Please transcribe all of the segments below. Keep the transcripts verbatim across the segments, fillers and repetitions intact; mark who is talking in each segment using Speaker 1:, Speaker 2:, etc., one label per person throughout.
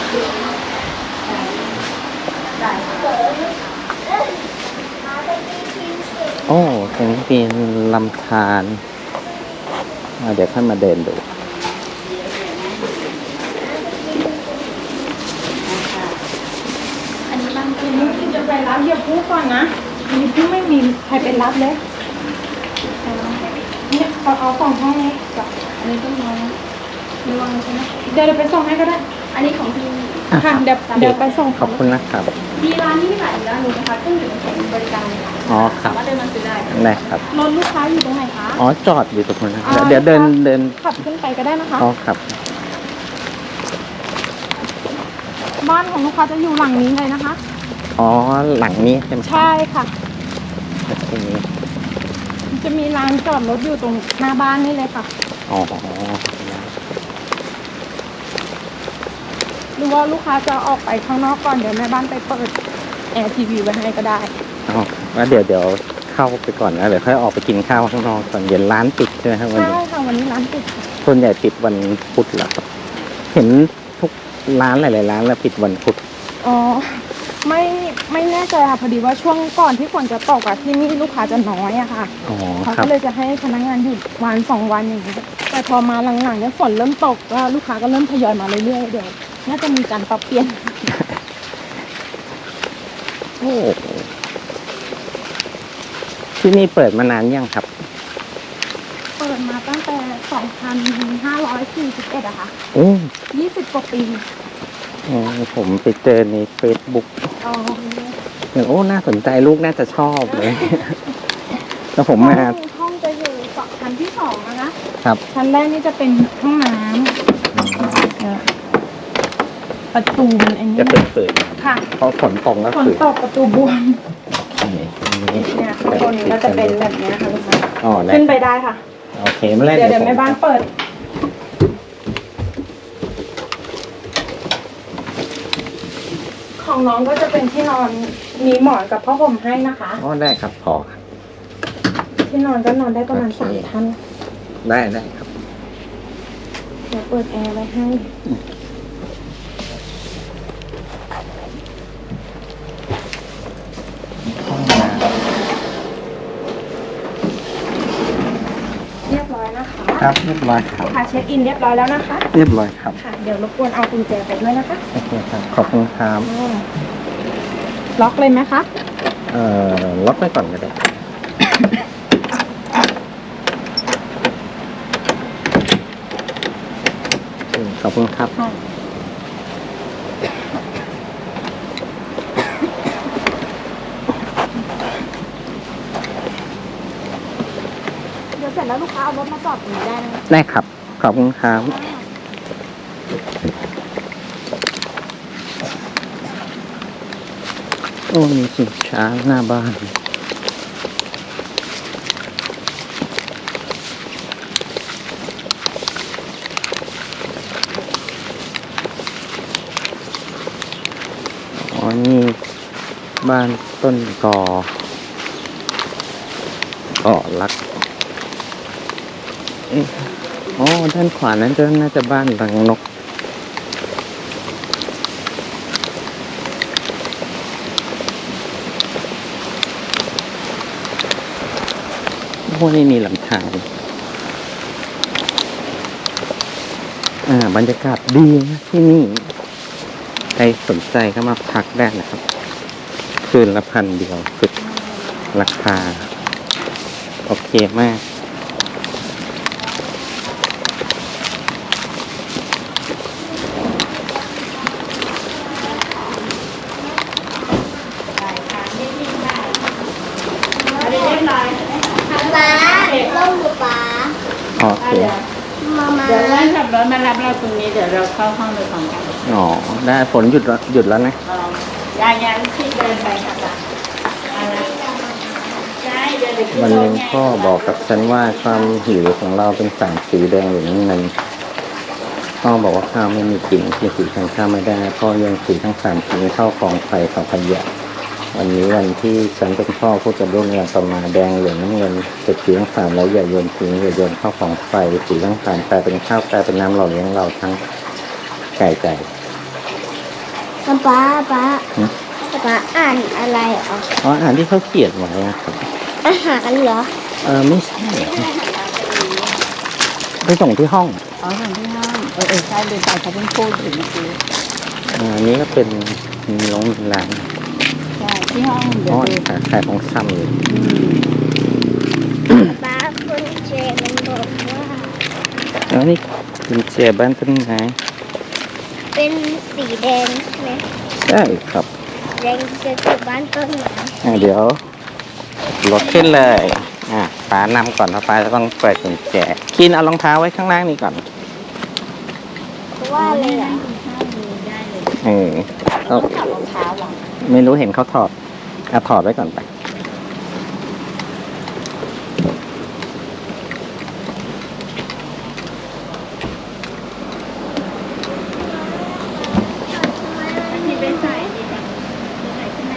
Speaker 1: โอ้ตรงนี้เป็นลำธารเดี๋ยวค่อยมาเดินดู
Speaker 2: อันนี้บางทีนี่ที่จะไปรับอย่าพูดก่อนนะอันนี้พี่ไม่มีใครไปรับเลยเนี่ยเอาเอาของห้องนี้กับอันนี้ต้องรอระวังใช่ไหมเดี๋ยวเราไปส่งให้ก็ได้อันนี้ของพี่ค่ะเดี๋ยวเดี๋ยวไปส่ง
Speaker 1: ขอบคุณนะครับ
Speaker 2: มีร้านนี้ขายอยู่ด้านนู้นนะคะเครื่องดื่มแข็งบริการค่ะ
Speaker 1: อ๋อครับ
Speaker 2: สามารถเดินมาซื้อได้
Speaker 1: ได้ครับ
Speaker 2: รถลูกค้าอยู่ตรงไหนคะ
Speaker 1: อ๋อจอดอยู่ตรงนั้นนะเดี๋ยวเดินเดิน
Speaker 2: ขับขึ้นไปก็ได้นะคะ
Speaker 1: อ๋อครับ
Speaker 2: บ้านของลูกค้าจะอยู่หลังนี้เลยนะคะ
Speaker 1: อ๋อหลังนี้ใช่ไหม
Speaker 2: ใช่ค่ะ
Speaker 1: ตรงนี้
Speaker 2: จะมีลานจอดรถอยู่ตรงหน้าบ้านนี่เลยค่ะ
Speaker 1: อ๋อ
Speaker 2: หรือว่าลูกค้าจะออกไปข้างนอกก่อนเดี๋ยวแม่บ้านไปเปิดแอร์ทีวีไว้ให้ก็ได้
Speaker 1: อ๋อแล้วเดี๋ยวเดี๋ยวเข้าไปก่อนนะเดี๋ยวค่อยออกไปกินข้าวข้างนอกก่อนเย็นร้านปิดใช่ไหมครับวัน
Speaker 2: ใช่
Speaker 1: นี้
Speaker 2: ค่ะวันนี้ร้านปิดค่ะ
Speaker 1: ส่วนใหญ่ปิดวันพุธเหรอครับเห็นทุกร้านหลายๆร้านแล้วปิดวันพุธ
Speaker 2: อ๋อไม่ไม่แน่ใจค่ะพอดีว่าช่วงก่อนที่ฝนจะตกอะที่นี่ลูกค้าจะน้อยอะค่ะ
Speaker 1: อ๋อ
Speaker 2: เขา
Speaker 1: ครั
Speaker 2: ก็
Speaker 1: บ
Speaker 2: เลยจะให้พนักงานหยุดวันสองวันอย่างนี้แต่พอมาหลังๆเนี่ยฝนเริ่มตกก็ลูกค้าก็เริ่มทยอยมาเรื่อยๆเดี๋ยวน่าจะมีการปรับเปลี่ยน
Speaker 1: โอ้ที่นี่เปิดมานานยังครับ
Speaker 2: เปิดมาตั้งแต่สองพันห้าร้อยสี่สิบเอ็ดอะค่ะ
Speaker 1: โอ้
Speaker 2: ยี่สิบกว่าปี
Speaker 1: อ๋อผมไปเจอในเฟซบุ๊ก
Speaker 2: อ๋อ
Speaker 1: เห็นโอ้น่าสนใจลูกน่าจะชอบเลย แล้วผมมา
Speaker 2: ห้องห้องจะอยู่สองชั้นที่สองนะคะ
Speaker 1: ครับ
Speaker 2: ชั้นแรกนี่จะเป็นห้องน้ำเอ่อประตูมันอันนี้
Speaker 1: จะเป็นเปิด
Speaker 2: ค่ะ
Speaker 1: เพราะฝนตกแล้ว
Speaker 2: ฝน
Speaker 1: คือ
Speaker 2: ตกประตูบวม
Speaker 1: นี่นี่
Speaker 2: เนี่ยข้างบนก็จะเป็นแบบเนี้ยค่ะลูกค้า
Speaker 1: อ๋อได้
Speaker 2: ขึ้นไปได้ค่ะ
Speaker 1: โอเคไม่เล่น
Speaker 2: เดี๋ยวเดี๋ยวแม่บ้านเปิด ของน้องก็จะเป็นที่นอนมีหมอนกับผ้าห่มให้นะคะ
Speaker 1: อ๋อได้ครับพอครับ
Speaker 2: ที่นอนก็นอนได้ประมาณ
Speaker 1: โอเค
Speaker 2: สามท่าน
Speaker 1: ได้ได้ครับ
Speaker 2: เดี๋ยวเปิดแอร์ไว้ให้เรียบร้อยนะคะ
Speaker 1: ครับเรียบร้อยครับ
Speaker 2: ค่ะเช็คอินเรียบร้อยแล้วนะคะ
Speaker 1: เรียบร้อยครับ
Speaker 2: ค่ะเดี๋ยวรบกวนเอากุญแจไปด้วยนะคะ
Speaker 1: โอเคครับขอบคุณครับ
Speaker 2: อ่าล็อกเลยไหมคะ
Speaker 1: เอ่อล็อกไว้ก่อนก็ได้อืมขอบคุณครับ
Speaker 2: ค่ะเดี๋ยวเสร็จแล้วลูกค้าเอารถมาจอดตรงนี้ได้นะคะ
Speaker 1: ได้ครับ ขอบคุณครับโอ้มีสินค้าหน้าบ้านอ๋อนี่บ้านต้นกอก่อรักเอ๊ะอ๋อด้านขวานั้นจะน่าจะบ้านรังนกพวกนี้มีลำธารอ่าบรรยากาศดีนะที่นี่ใครสนใจก็มาพักได้นะครับ คืนละพันเดียวสุดราคา โอเคมาก
Speaker 3: ป๊าล่มอยู่ป๊า
Speaker 1: โอเค
Speaker 3: มามา
Speaker 4: เดี๋ยวนั่งขับรถมารับเราตรงนี้เดี๋ยวเราเข้าห้องโดยพร้อมกัน
Speaker 1: อ๋อ ได้ฝนหยุดแล้วหยุดแล้วนะ
Speaker 4: ยายยังที่เดินไปค่ะจ้ะเอาละใช่เดี๋ยวเดี๋ยวขึ้น
Speaker 1: วัน
Speaker 4: ร
Speaker 1: หนึ
Speaker 4: ถ
Speaker 1: ง
Speaker 4: ไง
Speaker 1: พ่อบอกกับฉันว่าความหิวของเราเป็นสารสีแดงหรือน้ำเงินพ่อบอกว่าข้าวไม่มีกลิ่นที่สีทางข้าวไม่ได้พ่อยังสีทั้งสามสีเข้ากองไฟเผาขยะวันนี้วันที่ฉันเป็นพ่อพูดกับลูกเนี่ยต่อมาแดงเหลืองน้ำเงินเจ็ดสีทั้งสามแล้วอย่าโยนทิ้งอย่าโยนเข้ากองไฟสีทั้งสามกลายเป็นข้าวกลายเป็นน้ำหล่อเลี้ยงเราทั้งไก่ไก่
Speaker 3: ป๊าป๊าป๊าป๊าอ่านอะไรอ๋อ
Speaker 1: อ๋ออ่านที่เขาเขียนไว้อะครับ
Speaker 3: อาหารเหรอ
Speaker 1: เออไม่ใช่ไปส่งที่ห้อง
Speaker 4: อ๋อส่วนที่ห้องเออเออใช่เลยใส่เขาเพิ่งพูดถึงเมื่อกี้
Speaker 1: อ่าอันนี้ก็เป็นมีโรงมีร้าน
Speaker 4: ใช่ที่ห้องเดี๋ย
Speaker 1: อ๋อ
Speaker 4: วดู
Speaker 1: ขายขายของซ้ำอยู่
Speaker 3: ป๊าคุณเจมันบอกว่า
Speaker 1: แล้วนี่กุญแจบ้านต้นไม้
Speaker 3: เป็นสีแดงใช่ไหม
Speaker 1: ใช่ครับ
Speaker 3: แดงจะคือบ้านต้นไม้
Speaker 1: อ่าเดี๋ยวรถขึ้นเลย อ่ะป้านำก่อนเพราะป้าจะต้องเปิดกุญแจคินเอารองเท้าไว้ข้างล่างนี่ก่อน
Speaker 3: เพราะว่าอะไรอ่ะ
Speaker 4: ได้เลย
Speaker 1: เออ
Speaker 4: ต้
Speaker 1: ก็
Speaker 4: องถอดรองเท้าหรอ
Speaker 1: ไม่รู้เห็นเขาถอดอ่ะถอดไว้ก่อนไป
Speaker 4: ที่ไปใส่ดีค่ะใส่ขึ้นมา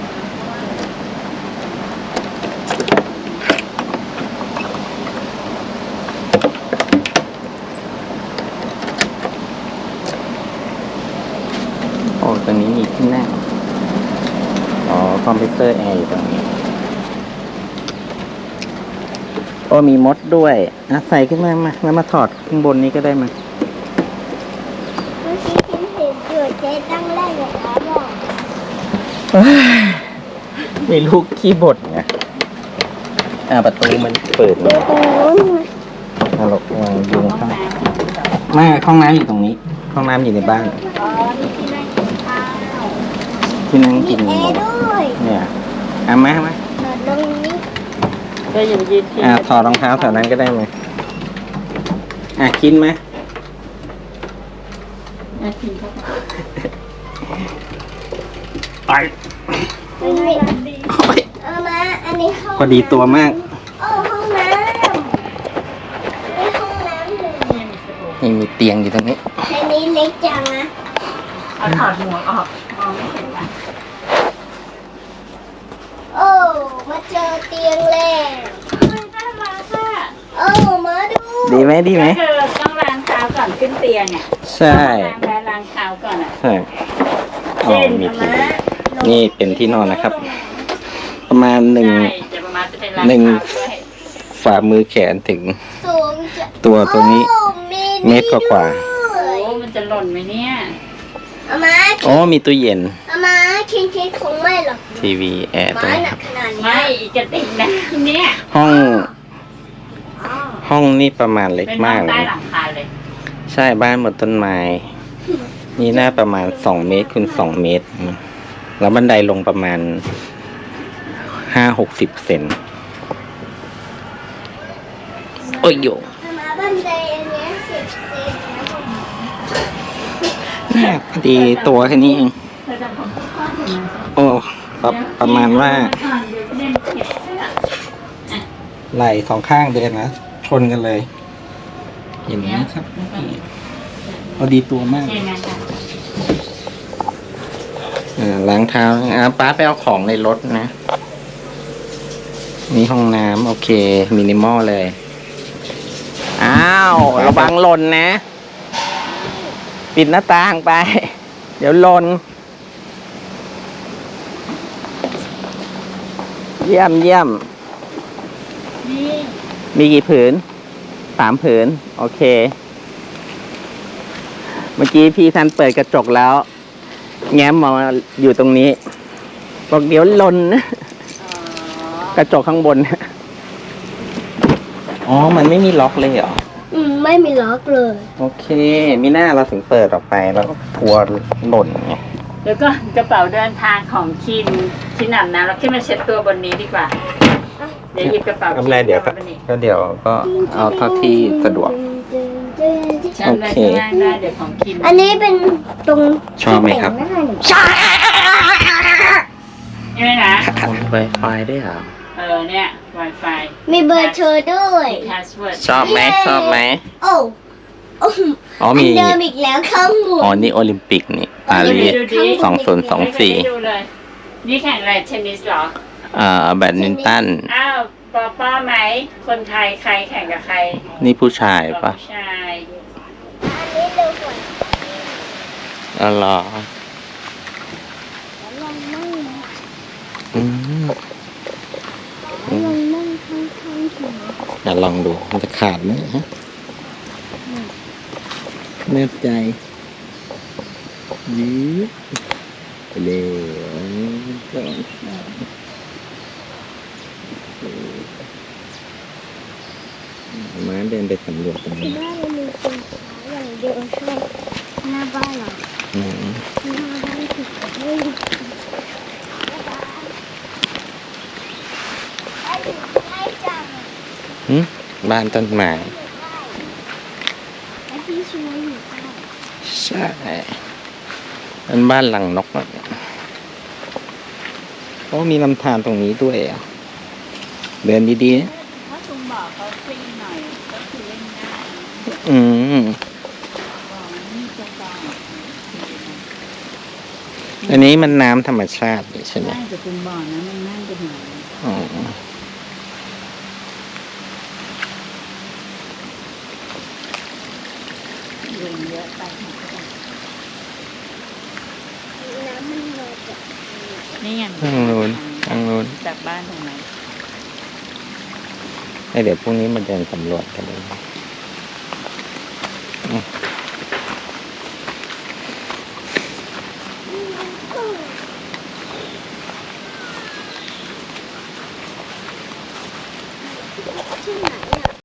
Speaker 1: โอ้ตรงนี้มีที่นั่งอ๋อคอมพิวเตอร์แอร์อยู่ตรงนี้โอ้มีมดด้วยอ่ะใส่ขึ้นมามาแล้วมาถอดข้างบนนี้ก็ได้มา
Speaker 3: เมื่อกี้ฉันเห็นอยู่เจ๊ตั้งแรกเลยครับบอก
Speaker 1: มีลูกขี้บดไงอ่าประตูมันเปิด
Speaker 3: ดู
Speaker 1: ไง
Speaker 3: ตรงนู้นนะ
Speaker 1: เอาหลบวางยุงข้างไม่ห้องน้ำอยู่ตรงนี้ ห้องน้ำอยู่ในบ้าน
Speaker 4: อ๋อนี่ที่นั่งกินข้าว
Speaker 1: ที่นั่ง
Speaker 3: มี
Speaker 1: กิน
Speaker 3: แอร์ด้วย
Speaker 1: เนี่ยเอามามา
Speaker 3: นอนตรงนี้
Speaker 4: ก็อย่าไปยืนที่
Speaker 1: อ่าถอดรองเท้าแถวนั้นก็ได้ไหมอ่ะกินไหม
Speaker 4: อ่ะกินเข้าไป
Speaker 1: ไป
Speaker 3: ไม่มีเอามาอันนี้ห้อง
Speaker 1: พอดีตัวมาก
Speaker 3: โอ้ห้องน้ำนี่ห้องน้ำเลย
Speaker 1: นี่มีเตียงอยู่ตรงนี้
Speaker 3: อันนี้เล็กจังนะ
Speaker 4: เอาถอดหมวกออกมองไม่เห็นละ
Speaker 3: โอ้มาเจอเตียงแล้ว
Speaker 4: น่ารักอ่ะ
Speaker 3: โอ้มาดู
Speaker 1: ดีไหมดีไหม
Speaker 4: ก็คือต้องล้างเท้าก่อนขึ้นเตียงอ่ะ
Speaker 1: ใช่
Speaker 4: ล้างแล้วล้างเท้าก่อนอ่ะ
Speaker 1: ใช่อ๋อ
Speaker 4: เช่น
Speaker 1: มี
Speaker 4: เอา
Speaker 1: ที่
Speaker 4: มา
Speaker 1: นี่เป็นที่นอนนะครับ ประมาณหนึ่ง
Speaker 4: ใช่เดี๋ยวประมาณจะไปล้าง
Speaker 1: หนึ่ง
Speaker 4: เท้าด้วย
Speaker 1: ฝ่ามือแขนถึง
Speaker 3: สูงจะ
Speaker 1: ตัวตัวนี้
Speaker 3: โอ้มี
Speaker 1: เมตรกว่า
Speaker 3: ด้วย
Speaker 4: โอ้มันจะหล่นไหมเนี่ย
Speaker 3: เอามา
Speaker 1: อ๋อมีตู้เย็น
Speaker 3: เอามาคิงคิงคงไม่หรอก
Speaker 1: ทีวีแอร์ตรง
Speaker 3: ไม้
Speaker 1: นี้
Speaker 3: หนักขนาดนี้
Speaker 4: ไม่อีกกระติกน้ำเนี่ย
Speaker 1: ห้อง
Speaker 3: อ๋อ
Speaker 1: ห้องนี่ประมาณเล็ก
Speaker 4: เป็นห้
Speaker 1: มา
Speaker 4: อก ง
Speaker 1: เล
Speaker 4: ใต้
Speaker 1: ย
Speaker 4: หลังคาเลย
Speaker 1: ใช่บ้านบนต้นไม้ นี่น่าประมาณสองเมตรคูณสองเมตรอืมแล้วบันไดลงประมาณห้าหกสิบเซนโอ้ยโย
Speaker 3: เอามาบันไดอันเนี้ยสิบเซนนะผม
Speaker 1: เนี่ยพอดีตัวแค่นี้เอง
Speaker 4: เธอจะของพ่อถึง
Speaker 1: โอ้ประประมาณว่า
Speaker 4: เดี๋ยวเล่นเก็บเสื้อ
Speaker 1: ไหล่สองข้างเดินนะชนกันเลย เห็นไหมครับพอดีตัวมาก
Speaker 4: เช่นนั้นค่ะ
Speaker 1: อ่าล้างเท้าอ่าป้าไปเอาของในรถนะ นี่ห้องน้ำโอเค มินิมอลเลย อ้าว ระวังหล่นนะ ปิดหน้าต่างไป เดี๋ยวหล่นเยี่ยมเยี่ยม
Speaker 4: นี่
Speaker 1: มีกี่ผืน สามผืน โอเค เมื่อกี้พี่ท่านเปิดกระจกแล้ว แง้มมองอยู่ตรงนี้ บอกเดี๋ยวหล่นนะ
Speaker 4: อ๋อก
Speaker 1: ระจกข้างบน อ๋อ มันไม่มีล็อกเลยเหรอ
Speaker 3: อืมไม่มีล็อกเลย
Speaker 1: โอเค มีหน้าเราถึงเปิดออกไปแล้วก็กลัวหล่นไง
Speaker 4: แล้วก็กระเป๋าเดินทางของคินคินอาบน้ำเราขึ้นมาเช็ดตัวบนนี้ดีกว่า เดี๋ยวหยิบกระเป๋า
Speaker 1: ไม่เป็นไรเดี๋ยวก็
Speaker 4: บนนี้
Speaker 1: ก็เดี๋ยวก็เอาเท่าที่สะดวก
Speaker 4: ฉันเลยข้างล่างได้เดี๋ยวของคิน
Speaker 3: อันนี้เป็นตรง
Speaker 1: ชอบไหมครับ
Speaker 3: ที่แต่งน้าหนู
Speaker 4: ใช่ไหมนะ
Speaker 1: ไวไฟได้เหรอ
Speaker 4: เออเนี่ย Wi-Fi
Speaker 3: มีเบอร์โทรด้วย
Speaker 4: มี password
Speaker 1: ชอบไหมชอบไหม
Speaker 3: โอ้โอ้
Speaker 1: อ๋อ
Speaker 3: อั
Speaker 1: มี
Speaker 3: นเดิมอีกแล้วข้างบน
Speaker 1: อ๋อ นี่โอลิมปิกนี่ปารีส
Speaker 4: ดูดิ
Speaker 1: สองศูนย์สองสี่
Speaker 4: ไม่เคยได้ดูเลย นี่แข่งอะไรเทนนิสเหรอ
Speaker 1: อ่าแบดมินตัน
Speaker 4: อ้าวปอป้อไหม คนไทยใครแข่งกับใคร
Speaker 1: นี่ผู้ชายปะ
Speaker 4: ผู้ชาย
Speaker 3: อันนี้เร็วกว่า
Speaker 1: อ๋อเหรออ่ะลองดูมันจะขาดไหมฮะแน่ใจยืดไปเลยสองสามม้าเดินไปสำรวจตรง
Speaker 3: ที่
Speaker 1: นี้
Speaker 3: บ้านเรามีคนขายอย่างเดียวใช่หน้าบ้านเรา
Speaker 1: อืม
Speaker 3: หน้าบ้านผิดไม่ได้ได้จัง
Speaker 1: หึบ้านต้นไม้
Speaker 3: ไอ้ที่ช่วยอยู่ใต้
Speaker 1: ใช่เป็นบ้านหลังนกอะโอ้มีลำธารตรงนี้ด้วยอ่ะเดินดีๆนะ
Speaker 4: ถ้าคุณบอกเขาฟรีหน่อยก็คือเล่นได้
Speaker 1: อืม
Speaker 4: บอกนี่จะบอก
Speaker 1: อันนี้มันน้ำธรรมชาตินี่ใช่ไหม
Speaker 4: ใช่แต่คุณบอกนะมันน่าจะหน่อย
Speaker 1: อ๋อ
Speaker 4: เรื่องเยอะไป
Speaker 3: น้ำมันมาจาก
Speaker 4: นี่ไง
Speaker 1: ทางนู้นทางนู้น
Speaker 4: จากบ้านตรงไหน
Speaker 1: เดี๋ยวพรุ่งนี้มาเดินสำรวจกันเลยอืม